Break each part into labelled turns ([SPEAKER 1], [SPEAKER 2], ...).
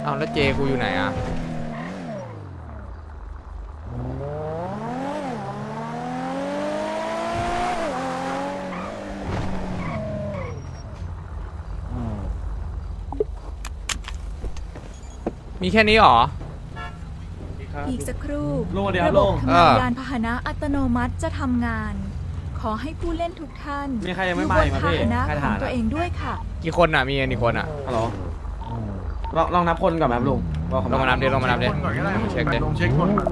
[SPEAKER 1] เอาแล้วเจกูอยู่ไหนอ่ะมีแค่นี้หรอ
[SPEAKER 2] อีกสักครู่
[SPEAKER 3] ระ
[SPEAKER 2] บบทำงานยานพาหนะอัตโนมัติจะทำงาน ขอให้ผู้เล่นทุกท่าน
[SPEAKER 3] มีใครยังไม่มาอีกไหม
[SPEAKER 2] พา
[SPEAKER 3] พี่
[SPEAKER 2] หนะของตัวเองด้วยค่ะ
[SPEAKER 1] กี่คนอ่ะมีกี่คนอ่ะ
[SPEAKER 3] ฮัลโหลลองนับคนก่อนไหมครับลุง
[SPEAKER 1] ลงมานับดิลงมานับดิเช็คดิ
[SPEAKER 4] ลงเช็คคนก่อน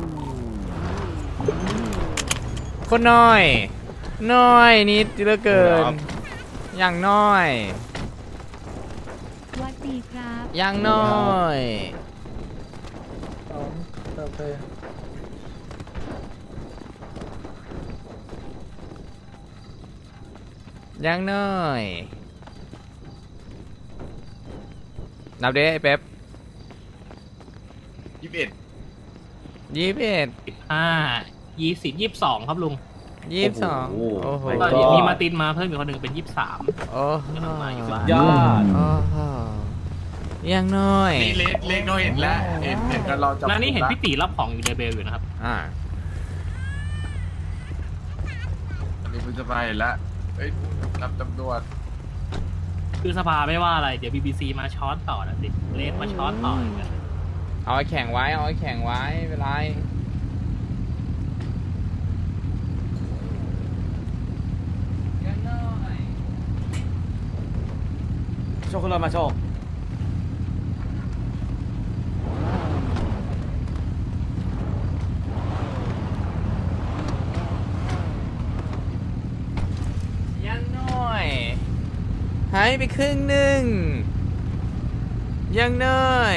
[SPEAKER 1] คนน้อยน้อยนิดเหลือเกินอย่างน้อย
[SPEAKER 5] วัดดีครับ
[SPEAKER 1] อย่างน้อยอย่างน้อยนับดิไอ้เป๊ป
[SPEAKER 4] 21
[SPEAKER 1] 21
[SPEAKER 6] 20 22ครับลุง
[SPEAKER 1] 22โอ้โห
[SPEAKER 6] ก็เดี๋ยวมีมาตินมาเพิ่มอีกคนหนึ่งเป็น23
[SPEAKER 1] โอ้โห
[SPEAKER 3] ยอด
[SPEAKER 1] โอ้โหอย่างน้อย
[SPEAKER 4] นี่เล็กเราเห็นแล้วเห็นกันเราจับ
[SPEAKER 6] แล้วนี่เห็นพี่ตีรับของอยู่ในเบลอยู่นะครับ
[SPEAKER 4] อันนี้คุณสบายเห็นแล้วเอ้ยรับตำรวจ
[SPEAKER 6] คือสภาไม่ว่าอะไรเดี๋ยว BBC มาช้อนต่อนะสิเลสมาช้อนต่ออีกนะ
[SPEAKER 1] เอาไอ้แข่งไว้เอาไอ้แข่งไว้ไม่เป็นไรอย่างน้อย
[SPEAKER 3] โชคคุณรถมาโชค
[SPEAKER 1] ยังน้อยหายไปครึ่งหนึ่งยังน้อย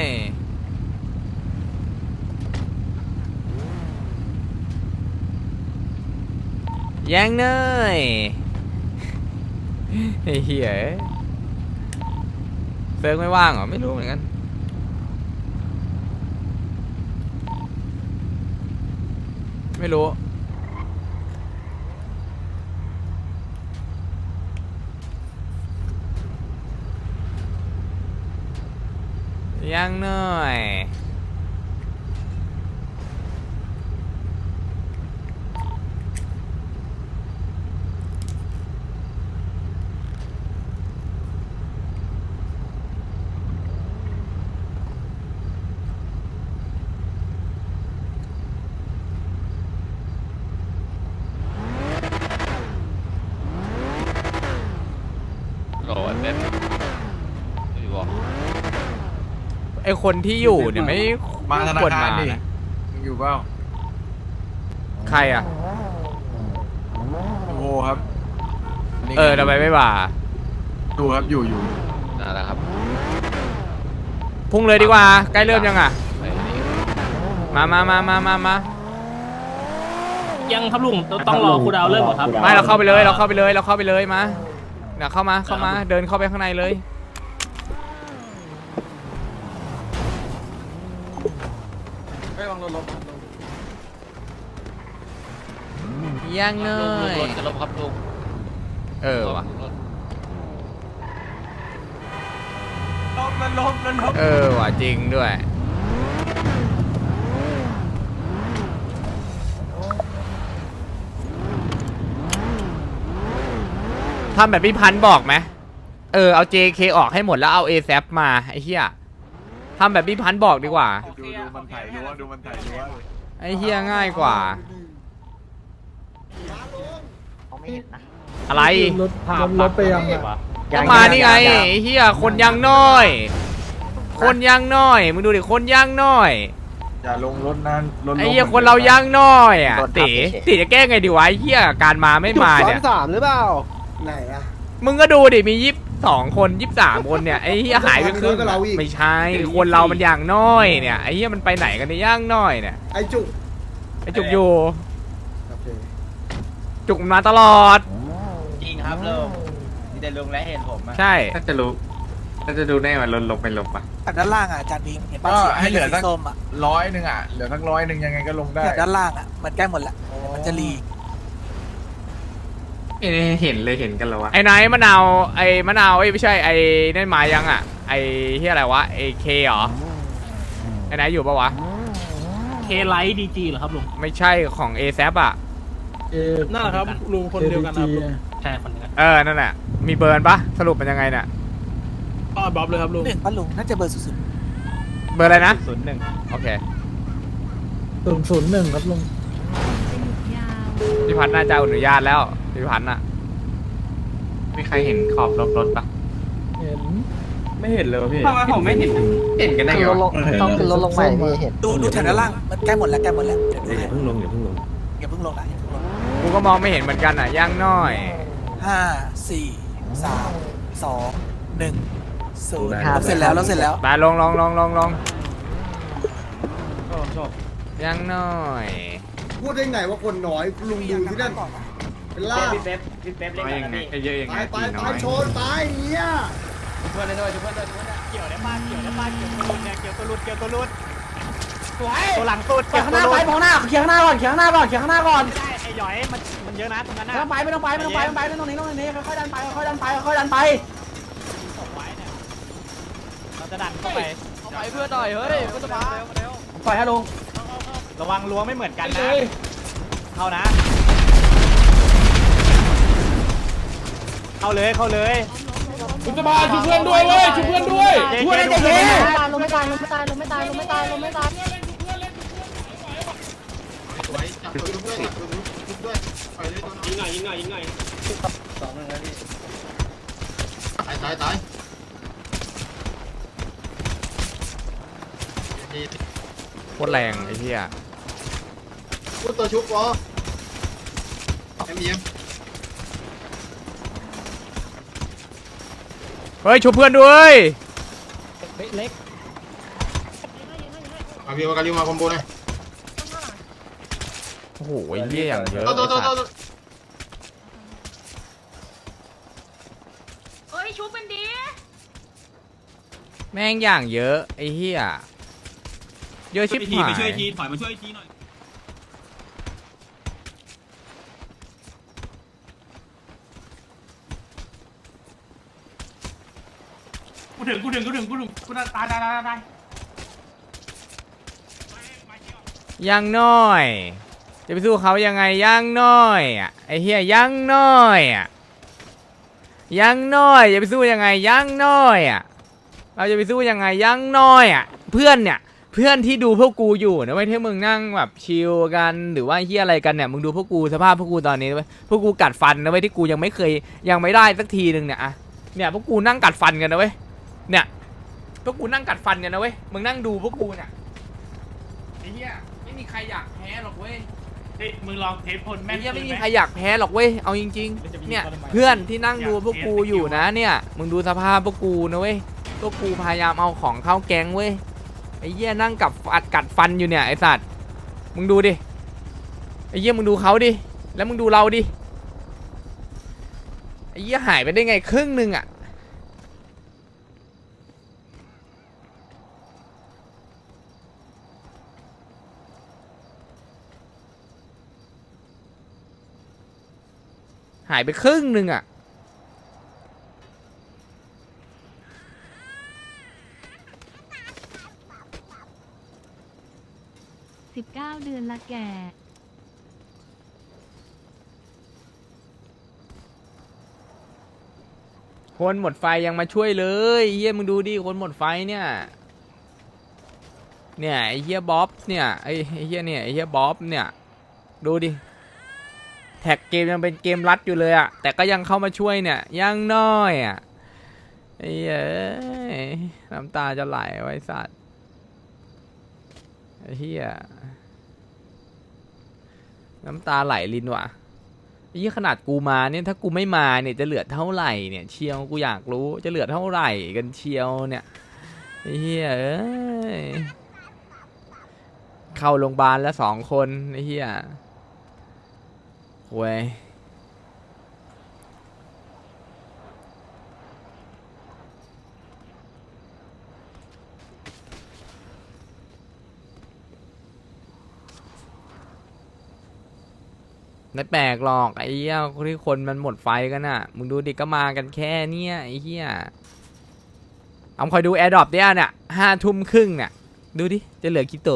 [SPEAKER 1] ยังน้อยไอ้เหี้ยเซิร์ฟไม่ว่างเหรอไม่รู้เหมือนกันไม่รู้ยังหน่อยโอ้เน็ตอยู่บ่ไอคนที่อยู่เนี่ยไม่
[SPEAKER 4] มาธนา
[SPEAKER 1] ควร
[SPEAKER 4] คาร
[SPEAKER 1] มา
[SPEAKER 4] ดิ
[SPEAKER 1] นะ
[SPEAKER 4] มึงอยู่เปล่า
[SPEAKER 1] ใครอ่ะ
[SPEAKER 4] โอ้โหครับนี่
[SPEAKER 1] ทำไมไม่มา
[SPEAKER 4] ดูครับอยู่
[SPEAKER 7] นั่นแหละครับ
[SPEAKER 1] พุ่งเลยดีกว่าใกล้เริ่มยังอ่ะ
[SPEAKER 7] ไปนี่
[SPEAKER 1] มา
[SPEAKER 6] ยังครับลุงต้องรอคูลดาวน์เริ่มก่อนครับ
[SPEAKER 1] ไม่เราเข้าไปเลยเราเข้าไปเลยมาเดี๋ยวเข้ามาเดินเข้าไปข้างในเลย
[SPEAKER 3] ไม่วางรถ
[SPEAKER 1] ยังเนย
[SPEAKER 7] รถจะลบครับลุง
[SPEAKER 1] ว่ะ
[SPEAKER 4] มันลบ
[SPEAKER 1] ว่ะจริงด้วยทำแบบพี่พันธุ์บอกไหมเอา JK ออกให้หมดแล้วเอา ASAP มาไอ้เหี้ยทำแบบพี่พันธุ์บอกดีกว่า
[SPEAKER 4] ดูมันถ่ายดูมันถ่ายดูว่า
[SPEAKER 1] ไอ้เหี้ยง่ายกว่าอะไร
[SPEAKER 3] รถไปยังไง
[SPEAKER 1] ก็มานี่ไงไอ้เหี้ยคนยังน้อย คนยังน้อยมึงดูดิคนยังน้อย
[SPEAKER 4] อย่าลงรถนั้นรถ
[SPEAKER 1] ไอ้เหี้ยคนเรายังน้อยอ่ะตีจะแก้ไงดีวะไอ้เหี้ยการมาไม่มาเนี่ย
[SPEAKER 3] 3หรือเปล่าไหนอะ
[SPEAKER 1] มึงก็ดูดิมี22 คน23 คนเนี่ยไอ้เหี้ยหายไปครึ่งไม่ใช่คนเรามันอย่างน้อยเนี่ยไอ้เหี้ยมันไปไหนกันเนี่ยย่างน้อยเนี่ย
[SPEAKER 3] ไอจุก
[SPEAKER 1] อยู่จุกมันมาตลอด
[SPEAKER 8] จริงครับลุงมีแต่ลุงและเห็นผมอะ
[SPEAKER 1] ใช่
[SPEAKER 4] ถ้าจะดูแน่ว่าลบไปลบอ่ะ
[SPEAKER 9] แต่ด้านล่างอ่ะอาจารย์บีมเห็นป้า
[SPEAKER 4] ก็
[SPEAKER 9] เขียว
[SPEAKER 4] ให้เหลือสัก
[SPEAKER 9] ส้มอ่ะ
[SPEAKER 4] 100อ่ะเหลือสัก100ยังไงก็ลงได้
[SPEAKER 9] เนี่ยด้านล่างอ่ะมันใกล้หมดละมันจะรี
[SPEAKER 4] เห็นเลยเห็นกันแล้ววะ
[SPEAKER 1] ไอ้ไหนมะนาวไอ้ไม่ใช่ไอ้นั่นมายังอ่ะไอ้ที่อะไรวะไอ้เคเหรอไอ้ไหนอยู่ปะวะ
[SPEAKER 6] เคไลท์ดีจีเหรอครับลุง
[SPEAKER 1] ไม่ใช่ของเอแซอ่ะ
[SPEAKER 3] นั่นแหละครับลุงคนเดียวกันนะครับลุง
[SPEAKER 6] ใช่คนเดียวกัน
[SPEAKER 1] นั่นแหละมีเบิร์นปะสรุปเป็นยังไงเนี่ย
[SPEAKER 3] อ๋อบ๊อบเลยครับลุง
[SPEAKER 9] 1ป้าลุงน่าจะเบอร์สุด
[SPEAKER 1] เบอร์อะไรนะ
[SPEAKER 8] 01
[SPEAKER 1] โอเค
[SPEAKER 3] 001ครับลุง
[SPEAKER 2] จะหยุดยาว
[SPEAKER 1] พี่พัฒน์น่าจะอนุญาตแล้วพี่พัฒน์น่ะมีใครเห็นขอบรถปะ
[SPEAKER 3] เห็น
[SPEAKER 4] ไม่เห็นเลยพี่
[SPEAKER 8] ทำไมผมไม่เห็น
[SPEAKER 4] เห็นกันได้ไงวะ
[SPEAKER 3] ต้องขึ้นรถลงใหม่พี่เห็น
[SPEAKER 9] ๆดูแถวด้านล่างมันใกล้หมดแล้วเดี๋ยวดูให้
[SPEAKER 5] อย่าเพิ่งลงอย่าเพิ่งลง
[SPEAKER 9] อย่าเพิ่งลงนะอย่าเพิ่งลง
[SPEAKER 1] กูก็มองไม่เห็นเหมือนกันอ่ะย่างน้อย
[SPEAKER 9] 5 4 3 2 1 0เราเสร็จแล้วเราเสร็จแล้ว
[SPEAKER 1] ไปลงย่างน้อย
[SPEAKER 3] พูดได้ไงว่าคนน้อยลุงดูที่นั่นเป็นล่า
[SPEAKER 8] พี่เป๊ปเล่นกันนะพี่
[SPEAKER 1] เยอะยังไง
[SPEAKER 3] ตายชนตายเนี่ย
[SPEAKER 8] เพื่อนด้วยเพื่อนด้วยเกี่ยวได้ป้าเกี่ยวตัวรุดเนี่ยเกี่ยวตัวรุดตัวหลังสุด
[SPEAKER 7] เขียงข้างหน้าไปมองหน้าเขียงข้างหน้าก่อนเขียงข้างหน้าก่อนเขียงข้างหน้าก่อน
[SPEAKER 8] ใช่ไอ้หยอยมันเยอะนะตรงนั้นนะ
[SPEAKER 7] ไม่ต้องไปไม่ต้องไปไม่ต้องนี้ค่อยๆดันไปค่อยๆดันไปค่อยๆดันไป
[SPEAKER 8] ส่งไว้เนี่ยเราจะดันเข้าไป
[SPEAKER 7] ไปเพื่อต่อยเฮ้ยพุทธภาปล่อยให้ลง
[SPEAKER 8] ระวังล้วงไม่เหมือนกันนะเข้านะเข้าเลย
[SPEAKER 3] คุณจะมาช่วยเพื่อนด้วยเว้ยช่วยเพื่อนด้วย
[SPEAKER 7] ช่วยได้ใจเย็น
[SPEAKER 2] ลงไม่ตายลงไม่ตายลงไม่ตายลงไม่ตายลงไม่ตาย
[SPEAKER 1] โคตรแรงไอ้เหี้ย
[SPEAKER 3] พูดตัวชุบวะเอ็ม
[SPEAKER 1] เฮ้ยช่วยเพื่อนด้วย
[SPEAKER 7] เล็ก
[SPEAKER 3] มาพี่มากันริวมาคอมโบเลย
[SPEAKER 1] โอ้โหไอ้เหี้ยอย่างเยอะ
[SPEAKER 2] เอ้ยชุบเป็นดี
[SPEAKER 1] แม่งอย่างเยอะไอ้เหี้ยเยอะชิบหาย
[SPEAKER 6] ถอยมาช่วยทีหน่อยกูถึงกูตาย
[SPEAKER 1] ย่างน้อย จะไปสู้เขายังไงย่างน้อยอ่ะไอ้เหี้ยย่างน้อยอ่ะย่างน้อยจะไปสู้ยังไงย่างน้อยอ่ะเราจะไปสู้ยังไงย่างน้อยอ่ะเพื่อนเนี่ยเพื่อนที่ดูพวกกูอยู่นะเว้ยที่มึงนั่งแบบชิลกันหรือว่าเหี้ยอะไรกันเนี่ยมึงดูพวกกูสภาพพวกกูตอนนี้เว้ยพวกกูกัดฟันนะเว้ยที่กูยังไม่ได้สักทีนึงเนี่ยอะเนี่ยพวกกูนั่งกัดฟันกันนะเว้ยเนี่ยพวกกูนั่งกัดฟันกันนะเว้ยมึงนั่งดูพวกกูเนี่ยไอ้เหี้ยไม่มีใครอยากแพ้หรอกเว้ย
[SPEAKER 6] มึงลองเทปคนแม่
[SPEAKER 1] ไอ้
[SPEAKER 6] น
[SPEAKER 1] เหี้ยไม่มีใครอยากแพ้หรอกเว้ยเอาจริงๆเนี่ยเพื่อนที่นั่งดูพวกกูอยู่นะเนี่ยมึงดูสภาพพวกกูนะเว้ยพวกกูพยายามเอาของเข้าแก๊งเว้ยไอ้เหี้ยนั่งกัดฟันอยู่เนี่ยไอ้สัตว์มึงดูดิไอ้เหี้ยมึงดูเขาดิแล้วมึงดูเราดิไอ้เหี้ยหายไปได้ไงครึ่งนึงอะหายไปครึ่งนึงอะ
[SPEAKER 2] 19 เดือนละแก่
[SPEAKER 1] คนหมดไฟยังมาช่วยเลยเฮียมึงดูดิคนหมดไฟเนี่ยไอ้เฮียบ๊อบเนี่ยไอ้เฮียเนี่ยไอ้เฮียบ๊อบเนี่ยดูดิแท็กเกมยังเป็นเกมรัดอยู่เลยอะแต่ก็ยังเข้ามาช่วยเนี่ยยังน้อยอะไอ้เหี้ยน้ำตาจะไหลไว้สัตว์ไอ้เฮียน้ำตาไหลลินว่ะไอ้เหี้ยขนาดกูมาเนี่ยถ้ากูไม่มาเนี่ยจะเหลือเท่าไหร่เนี่ยเชียวกูอยากรู้จะเหลือเท่าไหร่กันเชียวเนี่ยไอ้เหี้ยเอ้ยเข้าโรงพยาบาลแล้ว2 คนไอ้เหี้ยเว้ยไม่แปลกหรอกไอ้เหี้ยที่คนมันหมดไฟกันน่ะมึงดูดิก็มากันแค่เนี้ยไอ้เหี้ยเอาคอยดูแอร์ดรอปเนี่ย5 ทุ่มครึ่งเนี่ยดูดิ จะเหลือกี่โต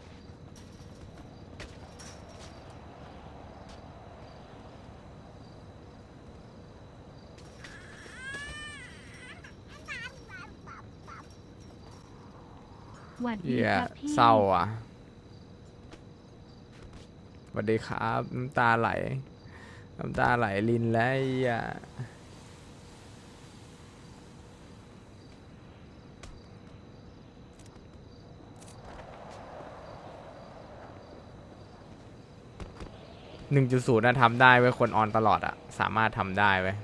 [SPEAKER 5] หวัดดี
[SPEAKER 1] เหี้ย
[SPEAKER 5] ครับพี่
[SPEAKER 1] เศร้าอ่ะสวัสดีครับ น้ำตาไหล น้ำตาไหลลินแล้วไอ้เหี้ย1.0นะทำได้เว้ยคนออนตลอดอ่ะ สามารถทำได้เว้ย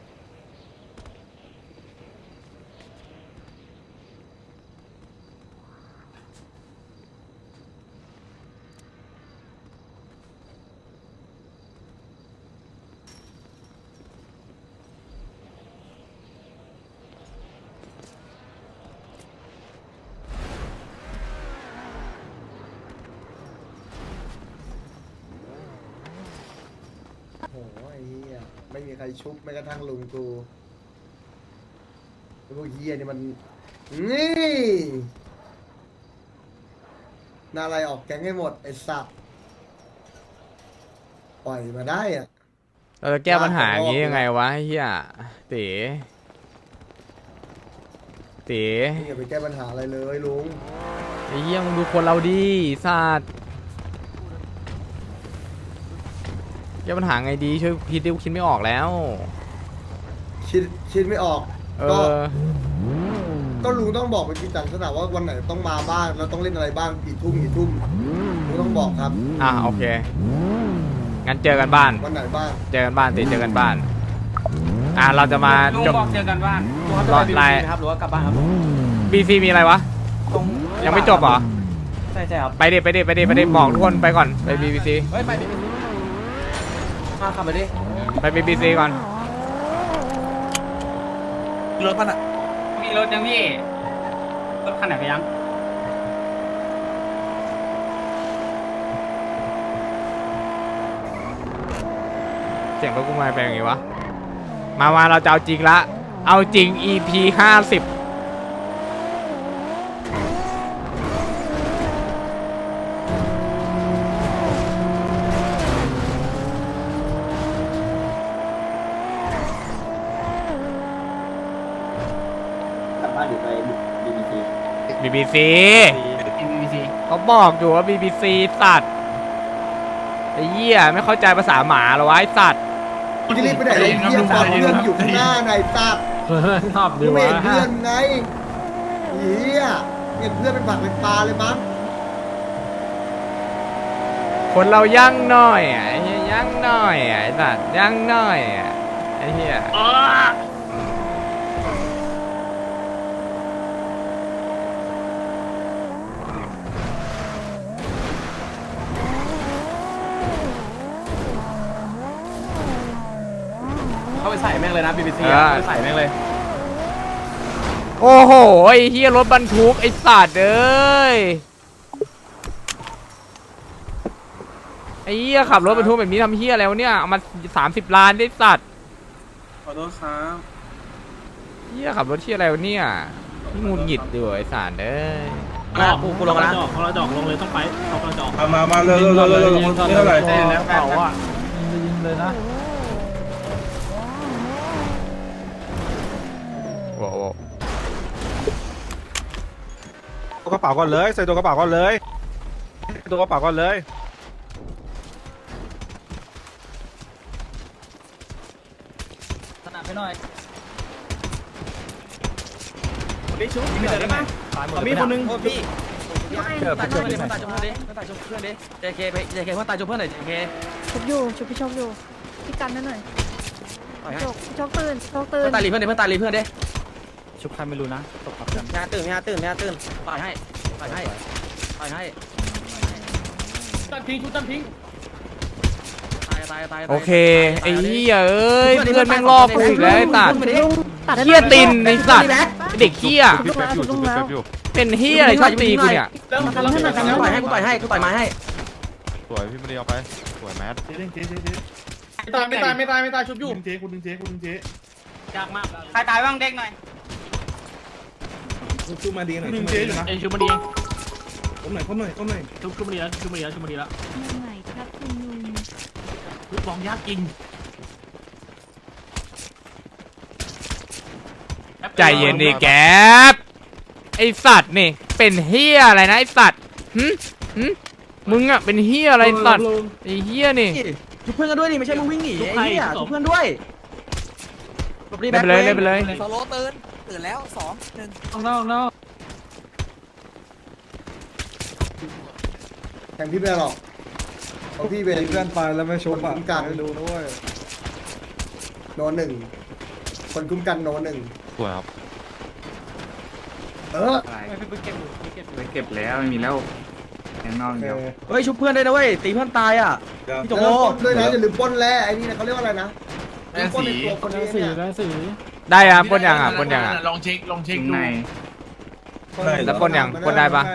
[SPEAKER 3] โอ้โหไอ้เหี้ยไม่มีใครชุบแม้กระทั่งลุงกูไอ้พวกเหี้ยนี่มันนี่น่าอะไรออกแก๊งให้หมดไอ้สัตว์ปล่อยมาได้อ่ะ
[SPEAKER 1] เราจะแก้ปัญหาอย่างนี้ยังไงวะไอ้เฮียเต๋เต๋
[SPEAKER 3] นี่อย่าไปแก้ปัญหาอะไรเลยลุง
[SPEAKER 1] ไอ้เฮียมึงดูคนเราดิสัตว์แก้ปัญหาไงดีช่วยคิดดิวคิดไม่ออกแล้ว
[SPEAKER 3] คิดไม่ออก
[SPEAKER 1] เอ
[SPEAKER 3] ก็
[SPEAKER 1] อ
[SPEAKER 3] ก็ลุงต้องบอกเป็นกิจจังสนะว่าวันไหนต้องมาบ้างแล้วต้องเล่นอะไรบ้างกี่ทุ่มลุงต้องบอกครับ
[SPEAKER 1] โอเค งั้นเจอกันบ้าน
[SPEAKER 3] วันไหนบ้าง
[SPEAKER 1] เจอกันบ้านเจอกันบ้าน เราจะมา
[SPEAKER 8] ลุง
[SPEAKER 1] จบ
[SPEAKER 8] บอกเจอกันบ้าน
[SPEAKER 1] รอดไลน์
[SPEAKER 8] ครับหรือว่ากลับบ้านครับ
[SPEAKER 1] BC มีอะไรวะ ยังไม่จบเหรอ
[SPEAKER 8] ใช่ครับ
[SPEAKER 1] ไปดิบอกทุกคนไปก่อน ไป BBC
[SPEAKER 8] เฮ้ยไปดิมาขับไปดิ
[SPEAKER 1] ไป BBC ก่อน
[SPEAKER 9] รถมันอะ
[SPEAKER 8] มีรถยังพี่รถคันไหนไปยัง
[SPEAKER 1] เสียงรถกูมาเป็นอย่างงี้วะ มาเราจะเอาจริงละ เอาจริง EP 50BBC เขาบอกอยู่ว่า BBC สัตว์ไอ้เหี้ยไม่เข้าใจภาษาหมาเหรอวะไอ้สัตว์
[SPEAKER 3] จะรีบไปไหนไอ้เหี้ยปอดเพื่อนอยู่ข้างหน้าไหนสัตว์
[SPEAKER 6] ชอบ
[SPEAKER 3] กูไม่เห็นเพื่อนไงเหี้ยเห็นเพื่อนเป็นผักเป็นปลาเลยมั้ง
[SPEAKER 1] คนเรายั่งน้อยอ่ะไอ้เหี้ยยั่งน้อยอ่ะไอ้สัตว์ยั่งน้อยอ่ะไอ้เหี้ย
[SPEAKER 8] เข้าไปใส่แม่งเลยนะ BBC เข้าไปใส่แม่งเลย
[SPEAKER 1] โอ้โหไอ้เหี้ยรถบรรทุกไอ้สัตว์เอ้ยไอ้เหี้ยขับรถบรรทุกแบบนี้ทำเหี้ยอะไรวะเนี่ยเอามา30 ล้านได้สัตว์
[SPEAKER 4] ขอโทษครับ
[SPEAKER 1] เหี้ยขับรถเหี้ยอะไรวะเนี่ยนี่งุนหงิดดิวะไอ้สัตว์เอ้ย
[SPEAKER 6] กูลงนะของเราจอกลงเลยต้องไปของเราจอก
[SPEAKER 4] มาเร็วนี่เท่าไหร่
[SPEAKER 6] แล้วเปล่าอ่ะยิงเลยนะ
[SPEAKER 1] โอ้โห
[SPEAKER 10] ตัวกระเป๋าก่อนเลยใส่ตัวกระเป๋าก่อนเลยตัวกระเป๋าก่อนเลย
[SPEAKER 8] สนับไปหน่อยพี่ชุบมีอะไรบ้างมีคนนึงพี่ตายจมเพื่อนดิตายจมเพื่อนดิตายจมเพื่อนดิ JK ไป JK เพื่อนตายจมเพื่อนหน่อย JK
[SPEAKER 2] ชุบอยู่ชุบพี่ชกอยู่พี่กันนั่นหน่อย
[SPEAKER 8] ต่อยให้
[SPEAKER 2] ชกพี่ชกตื่นชกตื่น
[SPEAKER 8] เพื่อนตายรีเพื่อนดิเพื่อนตายรีเพื่อนดิ
[SPEAKER 6] ชุบใครไม่รู้นะตกขับกัน
[SPEAKER 8] ไม่ตื่นต่อยให้ตั้งทิ้งชุดตั้งทิ้งตาย
[SPEAKER 1] โอเคไอ้เหี้ยเอ้ยเพื่อนแม่งลอกกูอีกแล้วไอ้สัตว์
[SPEAKER 2] ตัดให้
[SPEAKER 1] เหี้ยตินไอ้สัตว์ไอ้เด็กเหี้ย
[SPEAKER 2] ชุบลงแล้วชุบลงแล้ว
[SPEAKER 1] เป็นเหี้ยอะไรชอบตีกูเนี่ย
[SPEAKER 8] มาทำให้หน่อยต่อยให้กูต่อยไม้ให้
[SPEAKER 10] สวยพี่มาดีเอาไปสวยแมส
[SPEAKER 8] ไม่ตายชุบอยู่ยากมากใครตายบ้างเด็กหน่อย
[SPEAKER 10] ชุบมาดีหน่อย
[SPEAKER 6] เองชุบมาดี
[SPEAKER 10] ก้มหน่อยก้มหน่อยก้มหน่อย
[SPEAKER 6] ชุบมาดีแล้วชุบมาดีแล้วชุบมาดีแล้ว
[SPEAKER 5] มือใหม่ครับคุณลุง
[SPEAKER 6] ลูกบอลยากจริง
[SPEAKER 1] ใจเย็นดิแก๊ปไอสัตว์นี่เป็นเฮียอะไรนะไอสัตว์มึงอะเป็นเฮียอะไรสัตว์ไอเฮียนี่
[SPEAKER 8] ชุบเพื่อนกันด้วยนี่ไม่ใช่มึงวิ่งหนีไอ้เหี้ยชุบเพื่อนด้วย
[SPEAKER 1] เล่นไปเลยเล่นไปเลย
[SPEAKER 9] โซโลตื่นแล้วสองหนึ่ง
[SPEAKER 3] แทงพี่ไม่ได้หรอกเพราะพี่เป็น
[SPEAKER 10] เพื่อนไปแล้วไม่ชุบอ่ะ
[SPEAKER 3] คุ้มกัน
[SPEAKER 10] ดูด้วย
[SPEAKER 3] โนหนึ่งคนคุ้มกันโนหนึ่ง
[SPEAKER 4] สวยครับ
[SPEAKER 3] เออ
[SPEAKER 4] เก็บแล้วไม่มีแล้วแข่งนอกเดียว
[SPEAKER 8] เฮ้ยชุบเพื่อนด้วยนะเว้ยตีเพื่อนตายอ่ะพี่โจ
[SPEAKER 3] แล้วปล้นด้วยนะอย่าลืมปล้นแร่ไอ้นี่นะเขาเรียกว่าอะไรนะ
[SPEAKER 4] แร่
[SPEAKER 3] ปล้น
[SPEAKER 4] สี
[SPEAKER 3] ในตัวคนนี้เนี่ย
[SPEAKER 1] ได้อะปล้นยังอะปล้นยังอะ
[SPEAKER 4] ลองเช็คดู
[SPEAKER 1] แล้วปล้นยังปล้นได้ปะ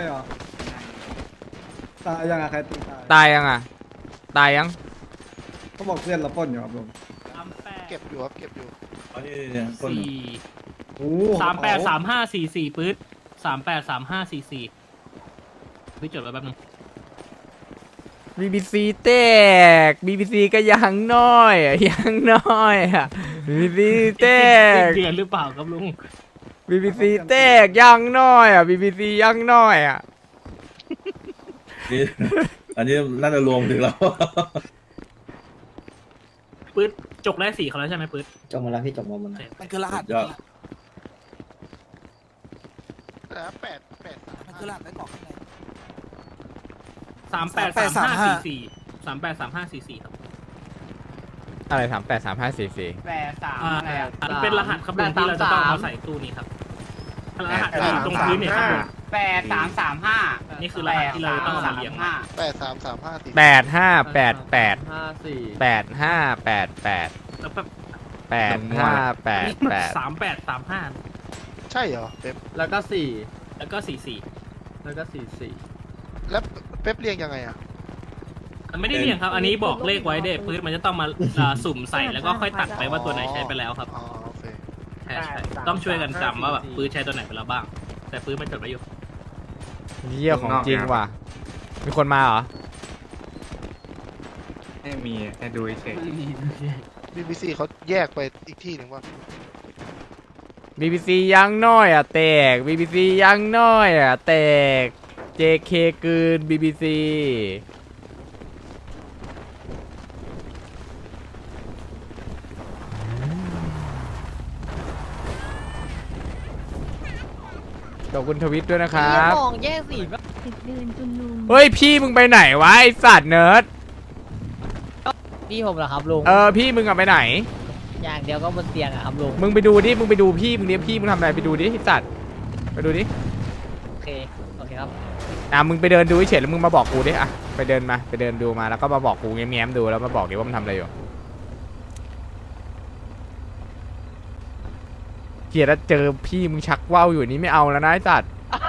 [SPEAKER 10] ตายยังอ่ะใครตีตาย
[SPEAKER 1] ตายยังอะตายยัง
[SPEAKER 10] เขาบอกเพื่อนเราปล้นอยู่ครับลุง
[SPEAKER 6] เก็บอยู่ครับเก็บอยู่
[SPEAKER 10] ปล้น
[SPEAKER 6] 4 38 35 44ปื๊ด38 35 44พี่จดไว้แป๊บนึง
[SPEAKER 1] BBC แตก BBC ก็ยังน้อยอะยังน้อยอะ BBC แตก
[SPEAKER 6] เดือนหรือเปล่าครับลุง
[SPEAKER 1] BBC แตกยังน้อยอะ BBC ยังน้อยอะ
[SPEAKER 10] อันนี้น่าจะรวมถึงแล้ว
[SPEAKER 6] ปื๊ดจกได้4เขาแล้วใช่ไหมปื๊ด
[SPEAKER 7] จบมาแล้วพี่จบมาหมด
[SPEAKER 9] มันคือรหัส
[SPEAKER 10] ยอด
[SPEAKER 9] มันคือรหัสไว้กล่องข้างใน
[SPEAKER 6] 38 35 44 38 35 44ครับ
[SPEAKER 1] อะไร383544
[SPEAKER 6] อันนเป็นรหัสครับลุงที่เราจะต้องเอาใส่ตู้นี้ครับรหัสที่อยู่ตรงพื้นเนี่ยครับลุง
[SPEAKER 7] 8335
[SPEAKER 6] นี่คือรหัสที่เราต้องเอามาเรียง
[SPEAKER 1] 8588 8588
[SPEAKER 6] แล้วแบบ
[SPEAKER 1] 8588
[SPEAKER 6] 38 35
[SPEAKER 11] ใช่เหรอเป๊ป
[SPEAKER 6] แล้วก็44
[SPEAKER 11] แล้วเป๊ปเรียงยังไงอ่ะ
[SPEAKER 6] มันไม่ได้เรียงครับ อันนี้บอกเลขไว้เด็ปื๊ดมันจะต้องมาสุ่มใส่แล้วก็ค่อยตัดไปว่าตัวไหนใช้ไปแล้วครับ
[SPEAKER 11] อ๋อโอเค
[SPEAKER 6] ใช่ต้องช่วยกันจำว่าแบบปื๊ดใช้ตัวไหนไปแล้วบ้าง แต่ปื๊ดมันจดไว้อยู่
[SPEAKER 1] เยี่ยของจริงว่ะ มีคนมาเหรอ
[SPEAKER 4] ไม่มีแค่ดูเฉย
[SPEAKER 11] BBC เขาแยกไปอีกที่หนึ่งว่า
[SPEAKER 1] BBC ยังน้อยอะแตก BBC ยังน้อยอะแตก JK กืน BBC ขอบคุณทวิตด้วยนะครับ
[SPEAKER 5] 10 เดือนคุณลุง
[SPEAKER 1] เฮ้ยพี่มึงไปไหนวะไอสัตว์เนิร์ด
[SPEAKER 7] พี่ผมเหรอครับลุง
[SPEAKER 1] พี่มึงอะไปไหน
[SPEAKER 7] อย่างเดียวก็บนเตียงอะครับลุง
[SPEAKER 1] มึงไปดูดิ มึงไปดูพี่มึงเนี้ยพี่มึงทำอะไรไปดูดิไอสัตว์ ไปดูดิ
[SPEAKER 7] โอเคครับ
[SPEAKER 1] มึงไปเดินดูเฉยๆแล้วมึงมาบอกกูดิอ่ะไปเดินมาไปเดินดูมาแล้วก็มาบอกกูแง้มๆดูแล้วมาบอกดิว่ามันทำอะไรอยู่เกลียดแล้วเจอพี่มึงชักว่าวอยู่นี่ไม่เอาแล้วนะไอ้สัตว์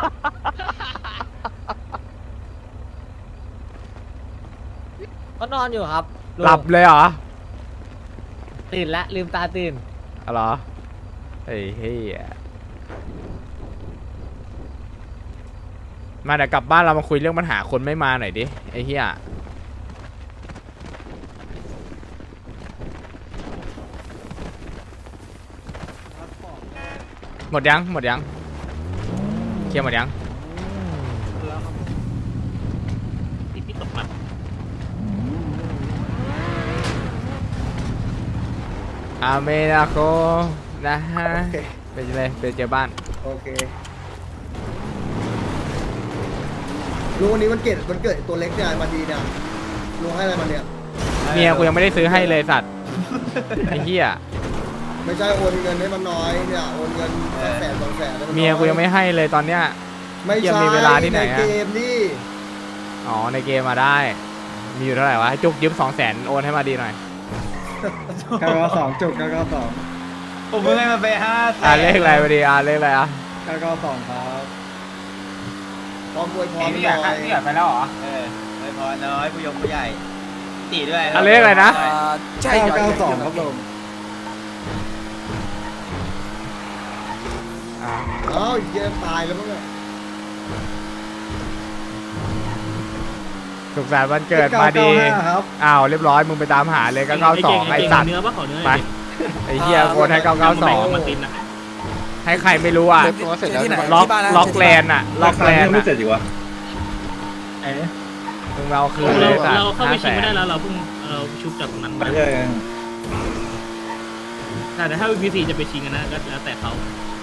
[SPEAKER 7] ก็นอนอยู่ครับลุง
[SPEAKER 1] หลับเลยเหรอ
[SPEAKER 7] ตื่นละลืมตาตื่น
[SPEAKER 1] อ๋อเหรอไอ้เหี้ยมาเดี๋ยวกลับบ้านเรามาคุยเรื่องปัญหาคนไม่มาหน่อยดิไอ้เหี้ยหมดยังเคลียร์หมดยัง
[SPEAKER 6] พี่ตกมัน
[SPEAKER 1] อาเมนาโกนะฮะ
[SPEAKER 3] โอเค
[SPEAKER 1] ไปเลยไปเจอบ้าน
[SPEAKER 3] โอเคลุงวันนี้มันเกิดตัวเล็กเนี่ยมาดีเนี่ยลุงให้อะไรมันเนี่ย
[SPEAKER 1] เมียกูยังไม่ได้ซื้อให้เลยสัตว์ ไอ้เหี้ย
[SPEAKER 3] ไม่ใช่โอนเงินให้มันน้อยเนี่ยโอนเงิน100,000 200,000ให้นน้อ
[SPEAKER 1] เมียกูยังไม่ให้เลยตอนเนี้ย
[SPEAKER 3] ไม่
[SPEAKER 1] เหี้ย
[SPEAKER 3] ใช่
[SPEAKER 1] มีเวลาที่ไหนอะ
[SPEAKER 3] เกมนี่
[SPEAKER 1] อ๋อในเกมมาได้ มีอยู่เท่าไหร่วะให้จุกยืม200,000โอนให้มาดีหน่อย
[SPEAKER 10] กกสองจุกกกสอง
[SPEAKER 8] ผมเพิ่งให้มาไป5
[SPEAKER 1] เลขอะไรมาดีเลขอะไรอ่ะ
[SPEAKER 10] กกสองครับ
[SPEAKER 3] พร้อมอวยพรหน่อย
[SPEAKER 8] ไปแล้วเหรอไม่พอน้อยผู้ยงผู้ใหญ่ตีด้วย
[SPEAKER 1] เลขอะไรนะ
[SPEAKER 9] ใช่
[SPEAKER 10] กสองครับลุง
[SPEAKER 3] อ้าวเหี้ยตายแล้วมั้งเนี่ย
[SPEAKER 1] สุขสันต์วันเกิดมาดี
[SPEAKER 3] ครับ
[SPEAKER 1] อ้าวเรียบร้อยมึงไปตามหาเลย992ไอ้สัตว์
[SPEAKER 6] เนื้อปะขอเนื้อ
[SPEAKER 1] ไปไอ้เหี้ยโอนให้
[SPEAKER 6] มาตินอะ
[SPEAKER 1] 992ให้ใครไม่รู้อ่ะ
[SPEAKER 11] เซฟตัวเสร็จแล้ว
[SPEAKER 9] ที่ไหน
[SPEAKER 1] ล็อกแลนด์อ่ะล็อกแลนด์
[SPEAKER 10] ไม่เสร็จอีกวะ
[SPEAKER 1] มึงเอาคืน
[SPEAKER 6] เรา
[SPEAKER 1] เลยสัตว์
[SPEAKER 6] เราเข้าไปชิงไม่ได้
[SPEAKER 1] 500,000
[SPEAKER 6] แล้วเราเพิ่งเราชุบจากตรงนั้นมาแต่ถ้า VPC จะไปชิงกันนะก็แล้วแต่เขา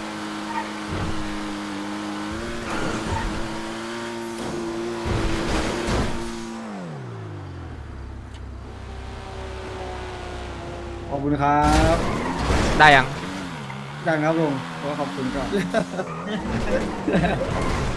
[SPEAKER 3] ขอบคุณครับ
[SPEAKER 1] ได้ยัง
[SPEAKER 3] ดังครับลุงขอบคุณก่อน